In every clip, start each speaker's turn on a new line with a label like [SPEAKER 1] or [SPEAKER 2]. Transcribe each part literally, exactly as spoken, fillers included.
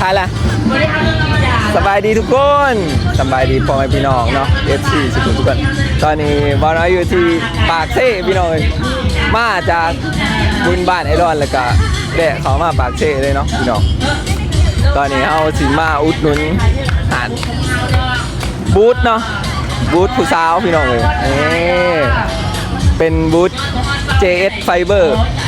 [SPEAKER 1] ถ่ายละสบายดีทุกคนสบายดีพ่อแม่พี่น้องเนาะ เอฟ ซี สุขุมทุกคนตอนนี้บอลน้อยอยู่ที่ปากเซ่พี่น้องมาจากบุญบ้านไอรอนแล้วก็แดะเขามาปากเซ่เลยเนาะพี่น้องตอนนี้เอาสิมาอุดหนุนหานบูธเนาะบูธผู้สาวพี่น้องเลยนี่เป็นบูธ เจ เอส Fiber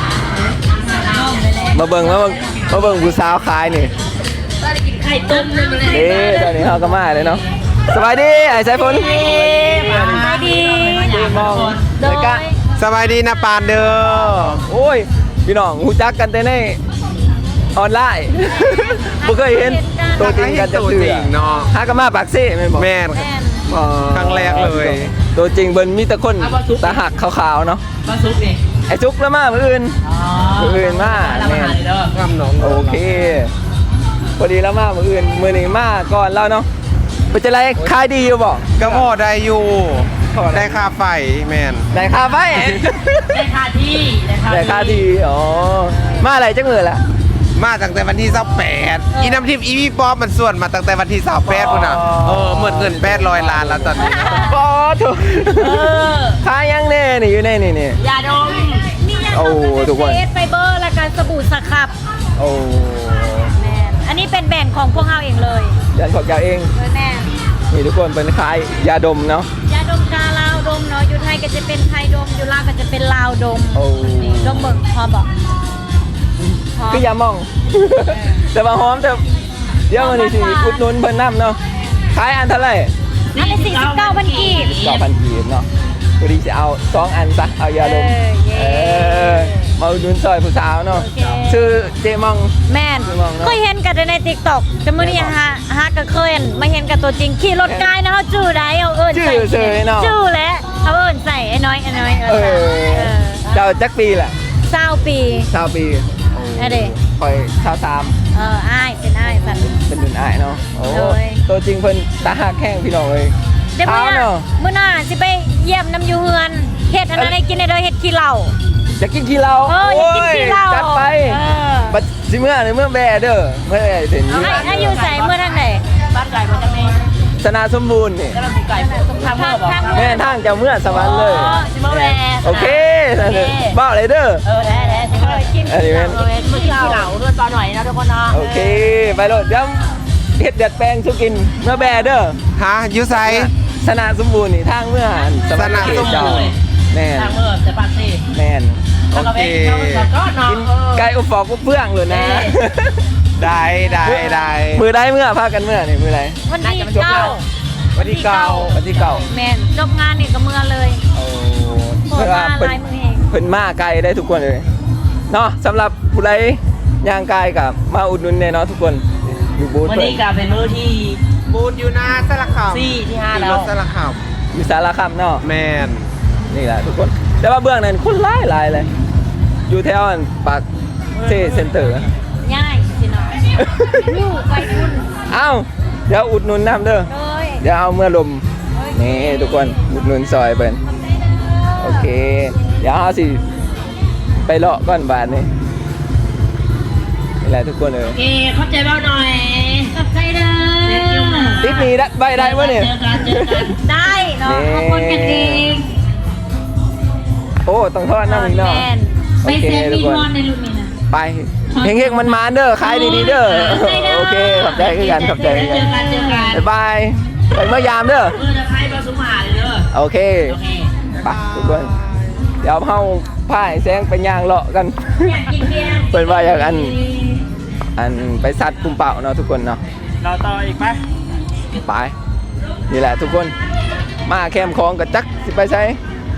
[SPEAKER 1] มาเบิ่งมาเบิ่งมาเบิ่งผู้สาวขายนี่ไข่ต้มเลยเด้ตอนนี้เขาก็มาเลยเนาะสบายดีไอ้สายฝนสบายดีมองเลยกะ
[SPEAKER 2] สบายดีนะปานเด้อ
[SPEAKER 1] โอ้ยพี่น้องหูจักกันแต่ในออนไลน์บ่เคยเห็นตัวจริงกันจะเถื่อ
[SPEAKER 2] เนาะ
[SPEAKER 1] ฮากามาปากซี่แม่นบ่
[SPEAKER 2] แม่นครั้งแรกเลย
[SPEAKER 1] ตัวจริงเบิ่นมีแต่คนตาหักขาวๆเนาะ
[SPEAKER 3] มาซุปนี่
[SPEAKER 1] ไอ้จุกแล้วมามื้ออื่นมื้ออื่นมาแม่น
[SPEAKER 2] งามน้อง
[SPEAKER 1] โอเคพอดีแล้วมามื้ออื่นมื้อนี้มาก่อนแล้วเนาะเป็นจังได๋ขายดีอยู่บ่
[SPEAKER 2] ก็พอได้อยู่ได้ค่าไฟแม่น
[SPEAKER 1] ได้ค่าไฟ
[SPEAKER 3] ได้ค่าที่
[SPEAKER 1] ได้ค่าที่อ๋อมาอะไรจังมื้อล่ะ
[SPEAKER 2] มาตั้งแต่วันที่ยี่สิบแปดอีน้ำทิพย์อีพี่ป๊อปมันส่วนมาตั้งแต่วันที่ยี่สิบแปดพุ่นน่ะเออหมดเงินแปดร้อยล้านแล้วตอนนี้
[SPEAKER 1] ปอถูกขายยังแน่นี่อยู่ในนี่นี่
[SPEAKER 3] ยาดม
[SPEAKER 1] โอ้ทุกคน
[SPEAKER 4] เอสไฟเบอร์และการสบู่สครับ
[SPEAKER 1] โอ้
[SPEAKER 4] แม่อันนี้เป็นแบรนด์ของพวกเราเองเลย
[SPEAKER 1] ยันของแกเอง
[SPEAKER 4] แม่
[SPEAKER 1] นี่ทุกคนเป็นขายยาดมเนาะ
[SPEAKER 4] ยาดมกาลาวดมเนาะอยู่ไทยก็จะเป็นไทยดมอยู่ลาวก็จะเป็นลาวดม
[SPEAKER 1] โอ้
[SPEAKER 4] ดมเบิ่งพอบอก
[SPEAKER 1] คือยามองแต่ว่าหอมแต่เดี๋ยวมันนี่สิอุดหนุนเพิ่นนำเนาะขายอันเท่าไหร่
[SPEAKER 4] อันละสี่สิบเก้าพันกีบ
[SPEAKER 1] เก้าพันกีบเนาะพอดีจะเอาสองอันซะเอายาดมเออมาอุดหนุนซอยผู้สาวเนาะชื่อเจมอง
[SPEAKER 4] แม่นเคยเห็นกันใน TikTok แต่มื้อนี้ฮะฮะก็เคยมาเห็นกับตัวจริงขี่รถกายนะเฮาจื้อได้เอาเอิ้นใส่
[SPEAKER 1] จื้อเนาะ
[SPEAKER 4] จื้อแหละเฮาเอิ้นใส่ไอ้น้อยไอ้น้อย
[SPEAKER 1] เออเจ้าจักปีล่ะ
[SPEAKER 4] ยี่สิบปี
[SPEAKER 1] ยี่สิบปี
[SPEAKER 4] อะเด้
[SPEAKER 1] คอยชาวสาม
[SPEAKER 4] เอออ้ายเป็นอ้ายสัน
[SPEAKER 1] เป็นรุ่นอ้ายเนาะโอ้ตัวจริงเพิ่นตาหักแข้งพี่น้องเอ้ย
[SPEAKER 4] เดี๋ยวมื้อน่ะมื้อน่ะสิไปเยี่ยมน้ำอยู่เฮือนเฮ็ดอันนั้นให้กินได้เด้อเฮ็ดขี้เหล้า
[SPEAKER 1] จะกินขี้เหล้า
[SPEAKER 4] เอออยากกินขี้เหล้า
[SPEAKER 1] จัดไปบัดสิเมื่อหรือเมื่อแบ่เด้อเมื่อเห็นอยู่
[SPEAKER 4] ให้อยู่ใส่เมื่อทางไหน
[SPEAKER 3] บ้านไก่มาจากไหน
[SPEAKER 1] สนาสมบูรณ์นี่
[SPEAKER 3] กำลังไก่ตรงทางเมื่อบ่
[SPEAKER 1] แม่ทางจะเมื่อสวรรค์เลย
[SPEAKER 3] สิมาแว
[SPEAKER 1] โอเคบ้าเลยเด้อ
[SPEAKER 3] เออได้ๆสิมากินอันนี้แม่นมื้อกินขี้เหล้าด้วยตอนหน่อยนะทุกคนเนาะ
[SPEAKER 1] โอเคไปโลดเดี๋ยวเฮ็ดเด็ดแปลงสุกินเมื่อแบ่เด้อ
[SPEAKER 2] ฮะอยู่ไส
[SPEAKER 1] สนาสมบูรณ์นี่ทางเมื่อ
[SPEAKER 2] สนาสมบูรณ์
[SPEAKER 1] แม่น
[SPEAKER 3] ทางเมื่อแต่ปากซี่
[SPEAKER 1] แม่น
[SPEAKER 2] โอเค
[SPEAKER 1] กินไก่อบฟอกกับเพื่องเลยนะ
[SPEAKER 2] ได้ได้ได้
[SPEAKER 1] มือได้เมื่อพากันเมื่อนี่มือไร
[SPEAKER 4] วันที่เก้า
[SPEAKER 1] วันที่เก้าวันที่เก้า
[SPEAKER 4] แม่นจบงานนี่ก็เมื่อเลย
[SPEAKER 1] โอ้
[SPEAKER 4] เพิ่นมาลายมือเอง
[SPEAKER 1] เพิ่นมาไกลได้ทุกคนเลยเนาะสำหรับผู้ใดย่างกายกับมาอุดหนุนเนี่ยเนาะทุกคนอยู่บูธ
[SPEAKER 3] วันนี้ก็เป็นมื้อที่
[SPEAKER 2] บูธอยู่หน้าสารคาม
[SPEAKER 3] สี่ที่ห้าแล้ว
[SPEAKER 2] สารคาม
[SPEAKER 1] อยู่สารคามเนาะ
[SPEAKER 2] แม่น
[SPEAKER 1] นี่แหละทุกคนแต่ว่าเบื้องนั้นคนหลายหลายเลยอยู่แถวปากเซเซ็นเตอร์
[SPEAKER 4] ง่ายสิเนาะลูกไปทุน
[SPEAKER 1] เอ้าเดี๋ยวอุดหนุนน้ำเด้อเดี๋ยวเอาเมื่อลมนี่ทุกคนอุดหนุนซอยเปิ้นโอเคเดี๋ยวเอาสิไปเลาะก้อนบาทนี่นี่แหละทุกคนเลย
[SPEAKER 3] โอเคเข้าใจบ้างหน่อย
[SPEAKER 4] เข้าใจเด้อ
[SPEAKER 1] ติดนี้ได้ใบได้ปะเนี่ย
[SPEAKER 4] ได้เนาะขอบคุณกันเอง
[SPEAKER 1] โอ้ต้องทอดน้ำอีกเนาะ
[SPEAKER 4] ไปเซฟมีมอนในรุ่นนี้นะ
[SPEAKER 1] ไปเฮงๆมันมาเด้อขายดีๆเด้อโอเคขอบใจกันขอบใจกันบ๊ายบายไปเมื่อยามเด้อ
[SPEAKER 3] เออจะใครมาสุมาเลยเด้อ
[SPEAKER 1] โอเคไปทุกคนเดี๋ยวเฮาพายแซงไปย่างเลาะกันเปิดว่าอย่างอันอันไปซัดปุ่มเป่าเนาะทุกคนเนาะ
[SPEAKER 3] เราต่ออีกไหม
[SPEAKER 1] ไปนี่แหละทุกคนมาแคมคลองกับจักสิไปใช้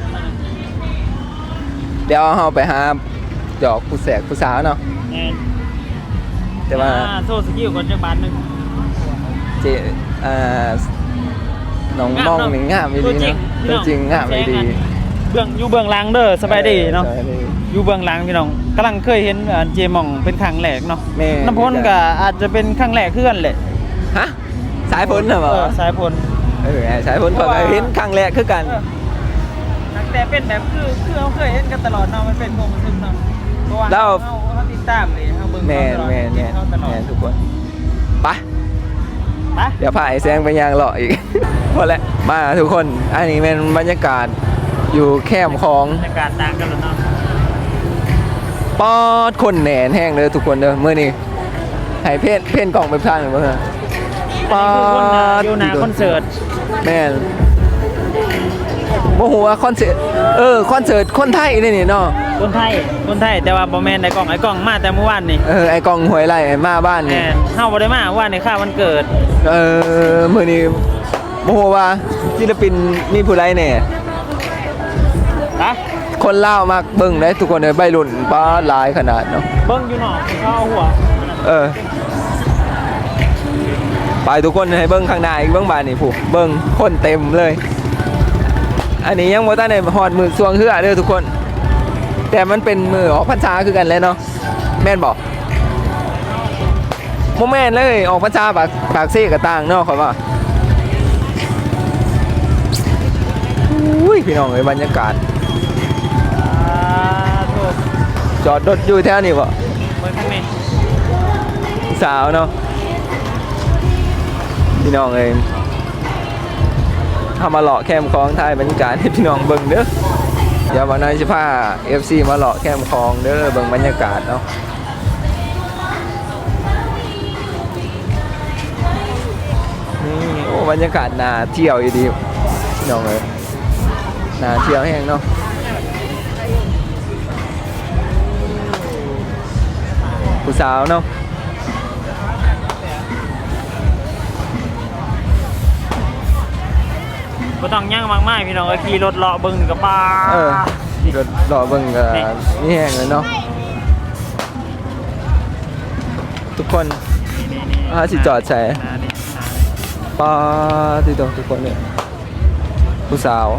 [SPEAKER 1] เดี๋ยวเฮาไปหาดอกผู้แสกผู้สาวเนาะแต่ว่า
[SPEAKER 3] โซ่สกิลก่อนจังบาทนึง
[SPEAKER 1] เจอ่าน้องมองหนึ่งงามไม่ดีเนาะตัวจริงงามไม่ดี
[SPEAKER 3] เบื้องอยู่เบื้องหลังเด้อสบายดีเนาะอยู่เบื้องหลังพี่น้องกำลังเคยเห็นเจมองเป็นครั้งแรกเนาะน้ำพ้นก็อาจจะเป็นครั้งแรกเพื่อนแหละ
[SPEAKER 1] ฮะสายพ้นเหรอ
[SPEAKER 3] สายพ้น
[SPEAKER 1] เออสายพ้นพอเห็นครั้งแรกคือกัน
[SPEAKER 3] แต่เป็นแบบคือคือเขาเคยเห็นกันตลอดเนาะมันเป็นความรู้สึกเนาะเพราะว่าเขาเขาติดตามเลยเขาเบิ่ง
[SPEAKER 1] แม่แม่แม่แม่ทุกคนไป
[SPEAKER 3] ไป
[SPEAKER 1] เดี๋ยวพาไอ้แซงไปยางเลาะอีก พอแล้วมาทุกคนอันนี้เป็นบรรยากาศอยู่แคมป์ของ
[SPEAKER 3] บรรยากาศต่างกันแล้วเนาะ
[SPEAKER 1] ปอดคนแหนนแห้งเลยทุกคนเด้อเมื่อนี้ให้เพ่นเพ่นกล่องไปทางหนึ่งเมื่อปอ
[SPEAKER 3] คือคนน่ะ
[SPEAKER 1] ด
[SPEAKER 3] อยู่หน้าคอนเสิร์ต
[SPEAKER 1] แม่นโมโหว่าคอนเสิร์ตเออคอนเสิร์ตคนไทยนี่นี่เนาะ
[SPEAKER 3] คนไทยคนไทยแต่ว่าบ่แม่นไอ้กล้องไอ้กล้องมาแต่เมื่อวานนี่
[SPEAKER 1] เออไอกล่องหวยไรมาบ้าน
[SPEAKER 3] แม่
[SPEAKER 1] นี่
[SPEAKER 3] นเฮาบ่ได้มาว่าในค่าวันเกิด
[SPEAKER 1] เออมื่อนี้โมโหว่าศิลปินมีผู้ไรเนี่ย
[SPEAKER 3] นะ
[SPEAKER 1] คนเล่าวมากเบิ่งได้ทุกคนเลยใบรุ่นป้าหลายขนาดเนาะ
[SPEAKER 3] เบิ่งอยู่นอกเขาเอาหัว
[SPEAKER 1] เออไปทุกคนให้เบิ้งข้างหน้าอีกเบิ้งบานนี่ผู้เบิ้งคนเต็มเลย อันนี้ยังบ่ทันได้ฮอดมือสวงเฮือเด้อทุกคน แต่มันเป็นมือออกพรรษาคือกันแล้วเนาะแม่นบ่บ่แม่นเลยออกพรรษาปากปากเซ่กับต่างเนาะข่อยว่าอุ้ยพี่น้องเอ้ยบรรยากาศ
[SPEAKER 3] อ่าโทษ
[SPEAKER 1] จอดรถอยู่แถวนี้บ่
[SPEAKER 3] เบิ่งข้างใน
[SPEAKER 1] สาวเนาะพี่น้องเอ้ยทำมาเลาะแคมป์คลองไทยบรรยากาศให้พี่น้องเบิ่งเด้อเดี๋ยววันนั้นสิพา เอฟ ซี มาเลาะแคมป์คลองเด้อเบิ่งบรรยากาศเนาะนี่โอ้บรรยากาศน่าเที่ยวอยู่ดีพี่น้องเอ้ยน่าเที่ยวแห้งเนาะผู้สาวเนาะ
[SPEAKER 3] บ่ต้องย่างมากมายพี่น้องเอ้ยขี่รถเลาะเบิ่งกับป้า
[SPEAKER 1] เออรถรอเบิ่งก็นี่แห้งเลยเนาะทุกคน อ่าสิจอดใส่ ป้าที่ตรงทุกคนเนี่ยผู้สาว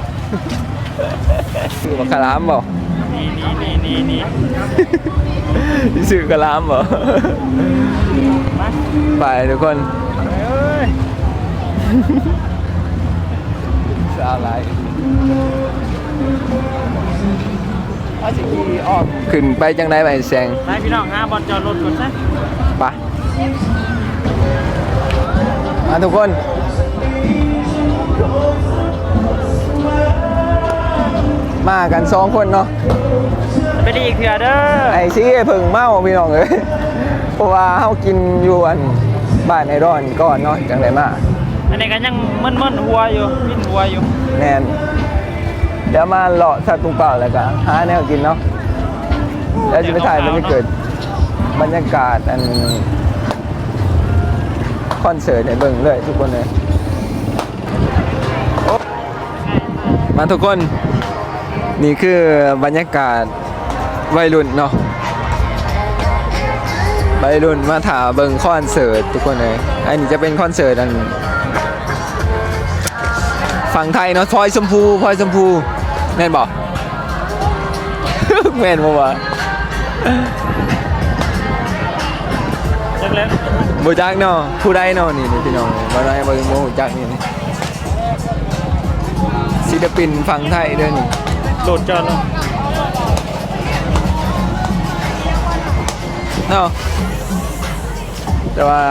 [SPEAKER 1] สื่อบักคารามบ่
[SPEAKER 3] นี่นี่นี่นี่นี่
[SPEAKER 1] สื่อกะลามบ่ไปทุกคน
[SPEAKER 3] เอ้ย
[SPEAKER 1] สาวไรอาสิกีอ้อมขึ้นไปจังไดไปแซง
[SPEAKER 3] ไปพี่น้องหาบอลจอดรถก่อนซะ
[SPEAKER 1] ไปมาทุกคนมากันสองคนเนาะ
[SPEAKER 3] ไปดีอีกเถื่อเด้อ
[SPEAKER 1] ไอ้ซี่เพิ่งเมาพี่น้องเอ้ยเพราะว่าเฮากินอยู่อันบ้านไอรอนก่อนเนาะจังไดมา
[SPEAKER 3] อันนี้ก็ยังมึนๆหัวอยู่วิ่นหัวอยู่
[SPEAKER 1] แน่นเดี๋ยวมาเลาะสัตว์ตุงเปล่าแล้วก็หาแนวกินเนาะแล้วจะไปถ่ายมันจะเกิดบรรยากาศอันคอนเสิร์ตในเบิ่งเลยทุกคนเลยโอ๊ะมาทุกคนนี่คือบรรยากาศวัยรุ่นเนาะวัยรุ่นมาถ่ายเบิ่งคอนเสิร์ตทุกคนเลยอันนี้จะเป็นคอนเสิร์ตอันฝั่งไทยเนาะพลอยชมพูพลอยชมพูแม่นบอก แม่นบ่วะ
[SPEAKER 3] จังเลย
[SPEAKER 1] บ่จักเนาะผู้ใดเนาะนี่นี่พี่น้องบ่ได้บ่บ่ฮู้จักนี่นี่ศิลปินฝั่งไทยเด้อนี่
[SPEAKER 3] โดดจอดเลย
[SPEAKER 1] เนาะแต่ว่า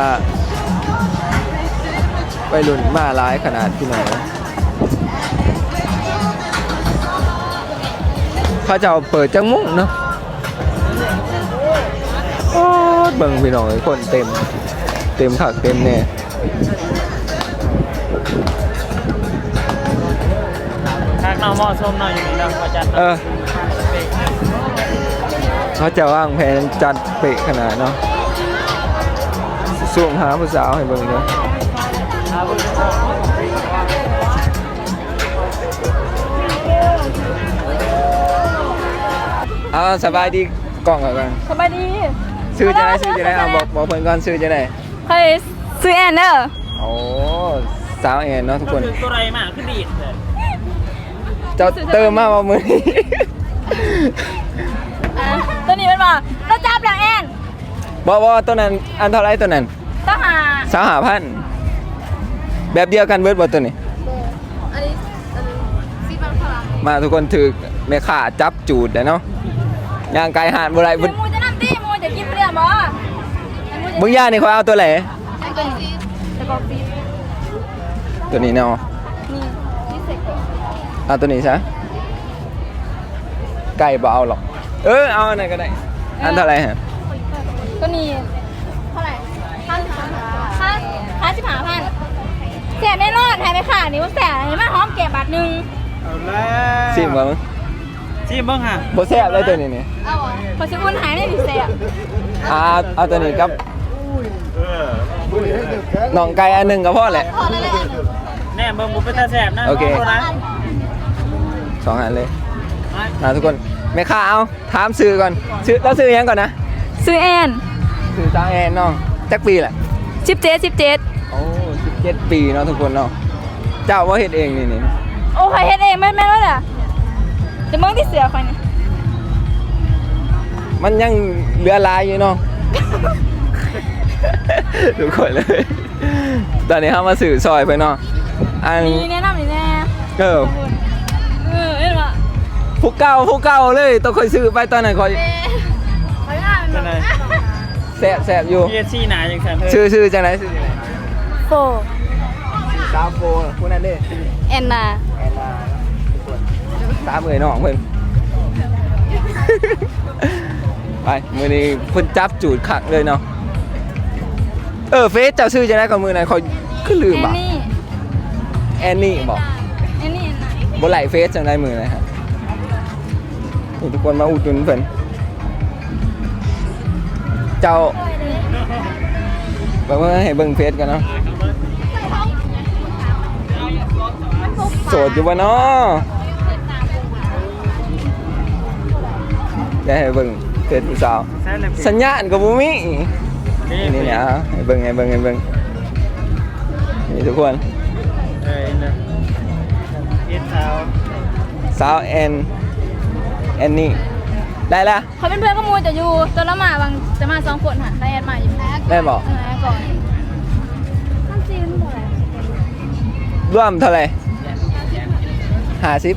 [SPEAKER 1] วัยรุ่นมาหลายขนาดพี่น้องเขาเจ้าเปิดจังมุ่งเนาะโอ๊ยเบิ่งพี่น้องเอ้ยคนเต็มเต็มคักเต็มแน่
[SPEAKER 3] ทางเอาหม้อส้มหน่อยอยู่นี่นะอาจารย์
[SPEAKER 1] เออเขาจะวางแผนจัดเป๊ะขนาดเนาะส่งหาผู้สาวให้เบิ่งเนาะเอาสบายดีกล้องก่อนก่อน
[SPEAKER 4] สบายดี
[SPEAKER 1] ซื้อจะได้ซื้อจะได้เอาบอกบอกเพิ่นก่อนซื้อจะได้
[SPEAKER 4] เฮ้ยซื้อแอนเนอร์
[SPEAKER 1] โอ้สาวแอนเนาะทุกคน
[SPEAKER 3] คือตัวไรมากคือดีดเลย
[SPEAKER 1] เจ้าเติมมาว่ามือนี้
[SPEAKER 4] ตัวนี้มันบอกเราจับหลังแอน
[SPEAKER 1] บ่บ่ตัวนั้นอันเท่าไรตัวนั้น
[SPEAKER 4] ต้องหา
[SPEAKER 1] สาวหาพันแบบเดียวกันเบิดบ่ตัวนี้
[SPEAKER 4] อันนี้อันนี้ซีบังพลัง
[SPEAKER 1] มาทุกคนถือแม่ข่าจับจูดเลยเนาะย่างไกลหาดบ่ไร
[SPEAKER 4] เดี๋ยวมูจะนั่งตีมูจะกินเปลือกบ่
[SPEAKER 1] มึงย่านี่เขาเอาตัวไหน
[SPEAKER 4] เ
[SPEAKER 5] ตัวนี้แต่ก็ฟี
[SPEAKER 1] ตัวนี้เนาะ
[SPEAKER 5] นี่ที่เสร็จก่อน
[SPEAKER 1] เอาตัวนี้ซะไก่บ่เอาหรอกเออเอาอันไหนก็ได้อันเท่าไหร่ฮะ
[SPEAKER 5] ตัวนี้เท่าไหร่ห้าสิบห้าห้าห้าสิบห้าพันแสบแน่นอนหายไปค่ะนี่ว่าแสบเห็นไหมหอมแก้มบาทหนึ่ง
[SPEAKER 3] เอาแล้ว
[SPEAKER 1] ซิมบ่มึง
[SPEAKER 3] ชิมเบิ่งฮะ
[SPEAKER 1] บ่แซ่บเลยตัวนี้นี่
[SPEAKER 5] เอาอ่ะพอชิอุ่นหายไม่ถึงแสบ
[SPEAKER 1] เอาเอาตัวนี้กับน้องไก่อันหนึงก็พอแหละ
[SPEAKER 5] พอแล้วเลย
[SPEAKER 3] แน่เบิ่งบ่เป็นตาแซ่บนะ
[SPEAKER 1] โอเค
[SPEAKER 3] ขนะ
[SPEAKER 1] สองอันเลยนะทุกคนแม่ค้าเอาถามซื้อก่อนซื้อแล้วซื้อยังก่อนนะ
[SPEAKER 5] ซื้อแอน
[SPEAKER 1] ซื้อจ้าแอนเนาะจักปีแหละ
[SPEAKER 5] สิบเจ็ดสิบเจ็ด
[SPEAKER 1] โอ้สิบเจ็ดปีเนาะทุกคนเนาะเจ้าว่าเฮ็ดเองนี่นี่
[SPEAKER 5] โอ้ใครเฮ็ดเองไม่ไม่ว่าล่ะจะมองที่เสือคอยนี่
[SPEAKER 1] มันยังเหลือหลายอยู่เนาะ ทุกคนเลย ตอนนี้เขามาสื่อซอยไปเนาะอัน
[SPEAKER 5] นี่แนะนำนี่แน่
[SPEAKER 1] เออ
[SPEAKER 5] เออเอ็นวะ
[SPEAKER 1] ผู้เก่าผู้เก่าเลยต้องคอยซื้อไปตอนนั้นคอย
[SPEAKER 5] คอยง่ายมันแบบ
[SPEAKER 1] แสบแสบอยู่
[SPEAKER 3] พี เอส ซี หนาจังซั่นเฮ้ย
[SPEAKER 1] ชื่อชื่อจังไหนชื่อจังไหน
[SPEAKER 5] โฟ
[SPEAKER 1] สามโฟผู้นั้นเด้
[SPEAKER 5] แอนนา
[SPEAKER 1] แอนนาสามเอ๋ยน้องเพิ่น ไปมือนี้เพิ่นจับจูดขักเลยเนาะเออเฟซเจ้าชื่อจังไหนก่อนมือนั้นคอยคือลืม
[SPEAKER 5] แอน
[SPEAKER 1] อ่ะ
[SPEAKER 5] นี่
[SPEAKER 1] แอนนี่บอก
[SPEAKER 5] แอนนี่แอนนา
[SPEAKER 1] บนไหลเฟซจังได้มือนะครับนี่ทุกคนมาอุดหนุนเพิ่นเจ้าเบิ่งว่าให้เบิ่งเฟซกันเนาะโสดอยู่บ่เนาะได้ให้เบิ่งเฟซผู้สาว
[SPEAKER 3] ใช่เลย
[SPEAKER 1] สัญญาณก็บ่มี
[SPEAKER 3] นี่
[SPEAKER 1] นี่เนี่ยเอาให้เบิ่งให้เบิ่งให้เบิ่งนี่ทุกคน
[SPEAKER 3] เอ้ยนะเอ็ดเท้า
[SPEAKER 1] สาวแอนแอนนี่ได้ละ
[SPEAKER 5] เขาเป็นเพื่อนขโมยแต่อยู่ตัวละหมาบางจะมาสองคนค่ะได้แอนมาอยู่
[SPEAKER 1] ได้บอก
[SPEAKER 5] เออก่อนน้ำจีนเท่าไหร่
[SPEAKER 1] ร่วมเท่าไหร่ห้าสิบ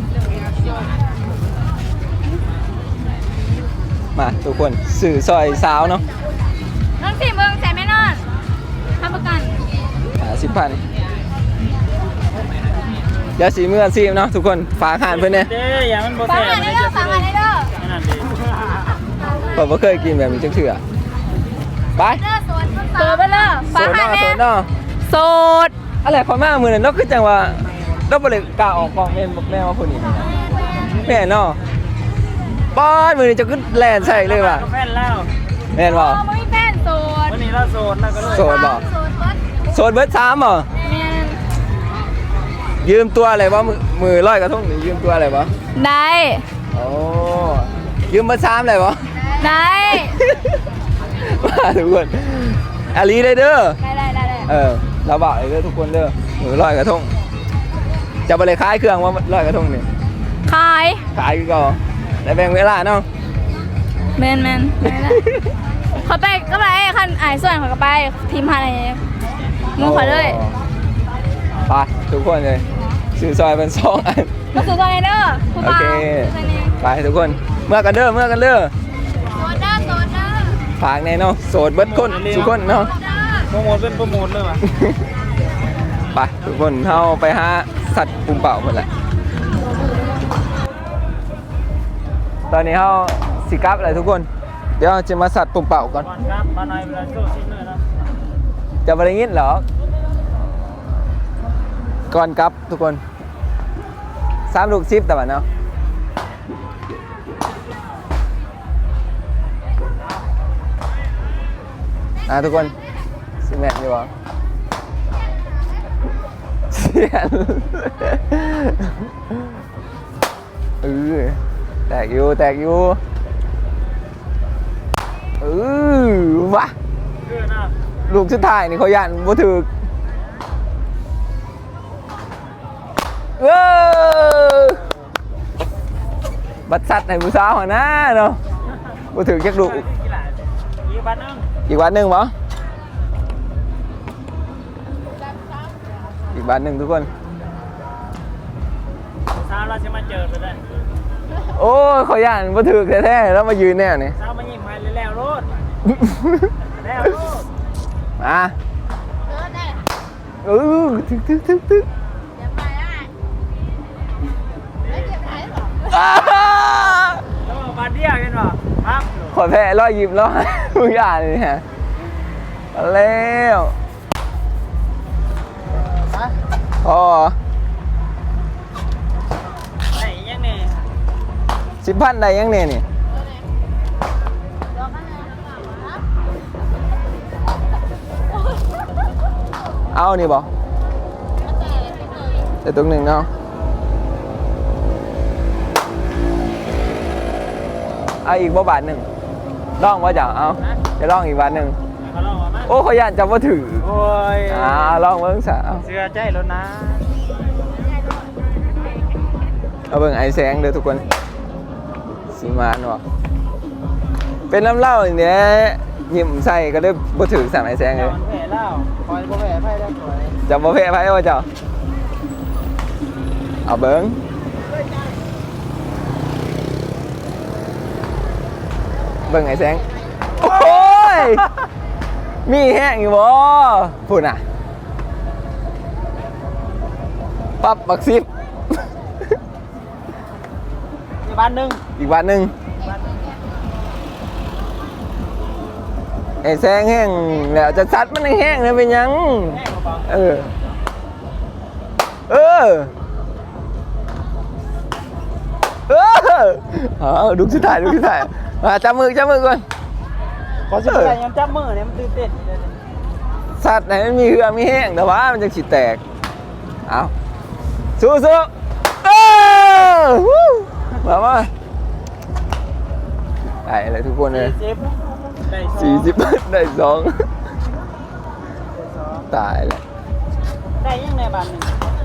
[SPEAKER 1] มาทุกคนสื่อซอยสาวเนาะ
[SPEAKER 5] น้องสี่เมืองแสนไม่นอนทำประกัน
[SPEAKER 1] ห้าสิบพันเดี๋ยวสีเมื่อซีมเนาะทุกคนฝากหานเพื่อนเนี่ย
[SPEAKER 3] เด้ออย่ามันบ่
[SPEAKER 5] ฟั
[SPEAKER 3] แซ่
[SPEAKER 5] ง
[SPEAKER 3] บ
[SPEAKER 5] อันนี้เด้อฟังอันนี้เด้อ
[SPEAKER 3] นั่นดิ
[SPEAKER 1] ผมก็เคยกินแบบนี้จังเถื่อไป
[SPEAKER 5] เด้อโซนโซนไปเลย
[SPEAKER 1] โซ
[SPEAKER 5] ฟัง
[SPEAKER 1] น
[SPEAKER 5] อั
[SPEAKER 1] เนาะ
[SPEAKER 5] น
[SPEAKER 1] โซ
[SPEAKER 5] นี้
[SPEAKER 1] นเนาะ
[SPEAKER 5] โซด
[SPEAKER 1] อะไรคนมากมือเนี่ยนกคือจังว่าเราบริกล้าออกกองแม่นบอกแม่ว่าคนนี้แม่เนาะป้อนมือนี่จะขึ้นแลนใส่เลยว่ะ
[SPEAKER 3] ก็แฟนแล้ว
[SPEAKER 1] แม่นบ่
[SPEAKER 5] อ๋อไม่มีแฟนโซด
[SPEAKER 3] วันนี้เราโสดแล้วก็เลย
[SPEAKER 1] โสดบ่
[SPEAKER 5] โซดเบิร์ด
[SPEAKER 1] โซนเบิร์ดสามเหรอ
[SPEAKER 5] แมน
[SPEAKER 1] ยืมตัวอะไรวะมือมือร้อยกระทงนี่ยืมตัวอะไรวะ
[SPEAKER 5] ได้
[SPEAKER 1] โอ้ยืมเบิร์ดสามเลยวะ
[SPEAKER 5] ได้
[SPEAKER 1] มาทุกคนอาลีได้เด้อ
[SPEAKER 5] ได้ได้ได้ได้
[SPEAKER 1] เออเราบอกเลยเด้อทุกคนเด้อมือร้อยกระทงจะไปเลยขายเครื่องว่าร้อยกระทงนี่
[SPEAKER 5] ขาย
[SPEAKER 1] ขายก็ได้แบ่งเวลาเนาะ
[SPEAKER 5] แมนแมนได้ได้เขาไปก็ไปคันอ่ายส่วนเขาก็ไปทีมพันอะไรมึงขอเลย
[SPEAKER 1] ไปทุกคนเลยซื้อซอยเป็นสองอัน
[SPEAKER 5] มาสู่ตัวไหนเด้อผู้
[SPEAKER 1] โอ
[SPEAKER 5] บ่าว
[SPEAKER 1] เค
[SPEAKER 5] ตัวนี้
[SPEAKER 1] ไปทุกคนเมื่อกันเด้อเมื่อกันเด้อ
[SPEAKER 5] โซดเด้อโซดเด้อ
[SPEAKER 1] ฝากแน่เนาะโสดเบิดคนทุกคนเนาะ
[SPEAKER 3] โปรโมทเป็นโปรโมทเลยว่ะ
[SPEAKER 1] ไปทุกคนเข้าไปหาสัตว์ปุ่มเป่าหมดแหละตอนนี้เขาสิกลับเลยทุกคนเดี๋ยวจะมาสัตว์ปุ่มเป่าก่อน
[SPEAKER 3] ก่อนครับมาหน่อยเวลาโซ่ชิ้นเลยนะ
[SPEAKER 1] จะไปได้ยินเหรอก่อนกลับทุกคนสามลูกซิปแต่ว่าเนาะอ่ะทุกคนสิแมทอยู่วะเสียนเออแตกอยู่แตกอยู่เออวะ
[SPEAKER 3] คือนะ
[SPEAKER 1] ลูกสุดท้ายนี่เขายันบ่ถึกเออบัดสัตว์ให้ผู้สาวหัวหน้าเนาะบ่ถึกจักลูก
[SPEAKER 3] กีฬาอีกบัตรนึง
[SPEAKER 1] อีกวันหนึ่งเหรออีกวันหนึ่งทุกคน
[SPEAKER 3] สาวเราจะมาเจอไปได้
[SPEAKER 1] โอ้ยเขาย่านมาถือแท้ๆแล้วมายืนแน่นี่
[SPEAKER 3] สาวมายิงไปแล้วรถแล้วรถ
[SPEAKER 1] มาเออทึกทึกทึกทึก
[SPEAKER 5] เดี๋ยวไปได้ไม่เก็บไว้หรอ
[SPEAKER 1] อ้า
[SPEAKER 3] แล้วบาดเดียวกันบ่ครับ
[SPEAKER 1] ขอแพ้ร้อยยิ้มร้อย มึงอย่าเลยฮะมาแล้วอ๋อ
[SPEAKER 3] ไหนยังนี่
[SPEAKER 1] สิบพันได้ยังเนี่ยนี่เอานี่บอแต่ตรงหนึ่งเนาะเอาอีกบ่บาทหนึ่งลองว่าจะเอาจะลองอีกบาทหนึ่ง
[SPEAKER 3] เขาลองมา
[SPEAKER 1] โอ้เขาย่านจะว่าถือ
[SPEAKER 3] โอ้ย
[SPEAKER 1] อ่าลองเบิ้งสาว
[SPEAKER 3] เสื้อใจแล้วนะ
[SPEAKER 1] เอาเบิ้งไอแสงเด้อทุกคนสีมานวะเป็นน้ำเหล้าอย่างเนี้ยยิ้มใส่ก็ได้บ่ถือสามไอแสงเล
[SPEAKER 3] เจ้าย มันแผลแล้วคอยบ่แผลไพ่ได้สวย
[SPEAKER 1] จะบ่แพ้ไพ่ว่าเจ้าเอาเบิ้งเบิ้งไอแสงโอ้ยมีแห้งอยู่บ่พูดน่ะปั๊บบักซิบ
[SPEAKER 3] มีบ้านหนึง
[SPEAKER 1] อีกวันหนึ่งไอ้แซงแห้งแล้วจะซัดมันให้แห้งเลยเป็นหยัง
[SPEAKER 3] แห้งบ่
[SPEAKER 1] เออ เออ เออเอาดูสุดท้ายดูสุดท้ายมาจับมือจับมือก่อน
[SPEAKER 3] พอสิได้ยังจับมือเนี่ยมันตื่นเต้น
[SPEAKER 1] สัตว์ไหนมันมีเหือมีแห้งแต่ว่ามันจะฉีดแตก เอาสู้สู้เออวู้มามาได้เลยทุกคนเลย
[SPEAKER 3] สี่สิบได้สอง
[SPEAKER 1] สี่สิบได้สองตายแล้ว
[SPEAKER 3] ได้ยังในบ้านหนึง